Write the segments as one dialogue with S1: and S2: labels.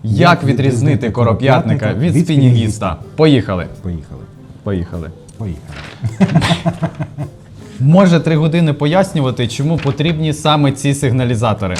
S1: Як відрізнити короп'ятника від спінінгіста? Поїхали.
S2: Поїхали.
S1: Поїхали.
S2: Поїхали.
S1: Може 3 години пояснювати, чому потрібні саме ці сигналізатори.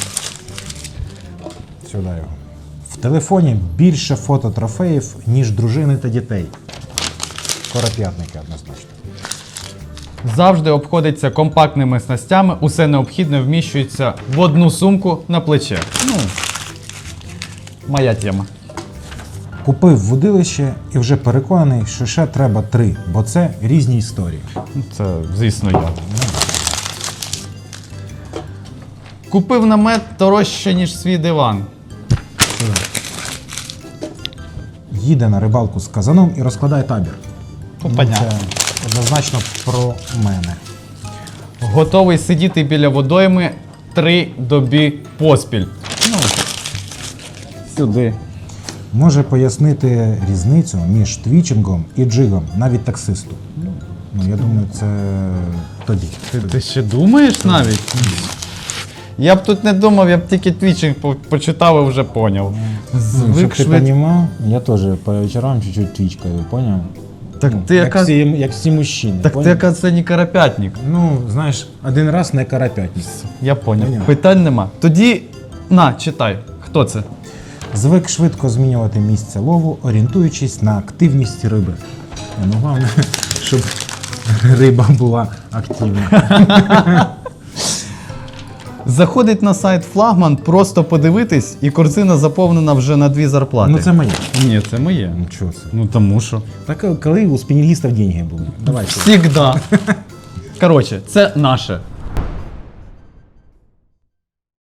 S2: Сюди його. В телефоні більше фототрофеїв, ніж дружини та дітей. Короп'ятники однозначно.
S1: Завжди обходиться компактними снастями, усе необхідне вміщується в одну сумку на плече. Ну, моя тема.
S2: Купив вудилище і вже переконаний, що ще треба 3, бо це різні історії.
S1: Це, звісно, я. Купив намет дорожче, ніж свій диван.
S2: Їде на рибалку з казаном і розкладає табір.
S1: Понятно.
S2: Це однозначно про мене.
S1: Готовий сидіти біля водойми 3 доби поспіль. Ну, сюди.
S2: Може пояснити різницю між твічингом і джигом, навіть таксисту. Ну, я думаю, це тобі.
S1: Ти ще думаєш навіть? Я б тут не думав, я б тільки твічинг почитав і вже поняв.
S2: Щоб ти розумів, я теж по вечорам чуть-чуть твічкаю, поняв?
S1: Так ти яка...
S2: як всі мужчини.
S1: Так ти яка це не карапятник.
S2: Ну, знаєш, один раз не карапятник.
S1: Я поняв.
S2: Поняв.
S1: Питань нема. Тоді, на, читай. Хто це?
S2: Звик швидко змінювати місце лову, орієнтуючись на активність риби. Ну, головне, щоб риба була активна.
S1: Заходить на сайт Флагман, просто подивитись, і корзина заповнена вже на 2 зарплати.
S2: Ну це моє.
S1: Ні, це моє.
S2: Ну чого це?
S1: Ну тому що.
S2: Так коли у спінінгістів деньги були? Давай.
S1: Всігда. Коротше, це наше.